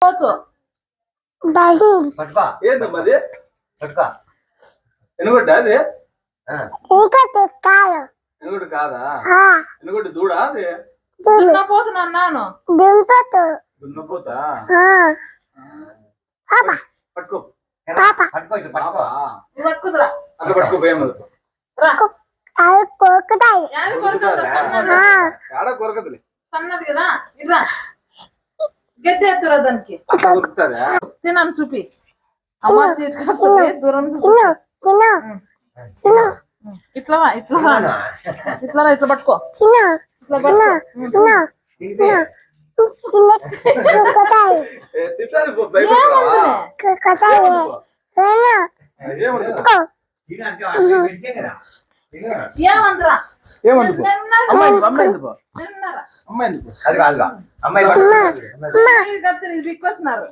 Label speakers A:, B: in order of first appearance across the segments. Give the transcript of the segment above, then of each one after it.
A: పోతు
B: ఏందమ్మా అది ఎనుగొడ్డ అది ఎనుగొడ్డు కాదా ఎనుగొడ్డు దూడా అది
A: దున్నపోతున్నా అన్నాను
B: దున్నపోతా పట్టుకో
A: పట్టుకుదురా
B: అట్లా పట్టుకో భయం ఆడ కొరకదులే
A: సన్నది కదా ఇరా గడ్డి ఎత్తురా దానికి
B: అట్లా కొరుకుతుందా
A: తినని చూపి అమ్మ తీసుకొస్తుంది దూరం ఇట్లా ఇట్లా ఇట్లా ఇట్లా పట్టుకో ఇట్లా పట్టుకో ఏమంటారా బిక్కొస్తున్నారు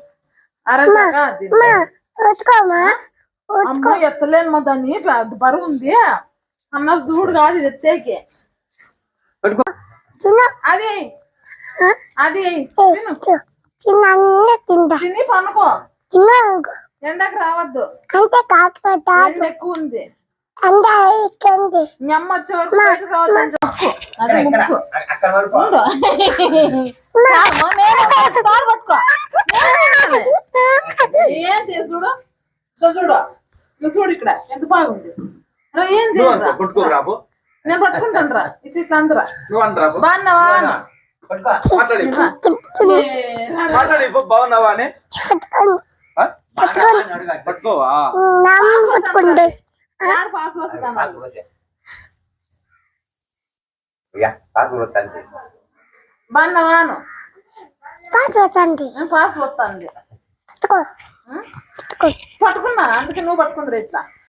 A: అమ్మ ఎత్తలేను మా దాన్ని బరువు ఉంది అన్న దూడు కాదు ఇది ఎత్తేకి అది అది తిని పనుకో ఎండకు రావద్దు ఎండ ఎక్కువ ఉంది మీ అమ్మ వచ్చే వరకు బయటకు రావద్దని చెప్పు అది ముక్కు పట్టుకో ఏంటి చూడు చూడు నువ్వు చూడు ఇక్కడ ఎంత బాగుంది ఏం చేయరా నేను పట్టుకుంటాను రా ఇట్లా ఇట్లా అందరా బాగున్నావా
B: బాగున్నావా అని పట్టుకోవా
A: పాస్ వస్తుందా బాగున్నావాను పాస్ వస్తుంది పట్టుకున్నా అందుకే నువ్వు పట్టుకుందిరా ఇట్లా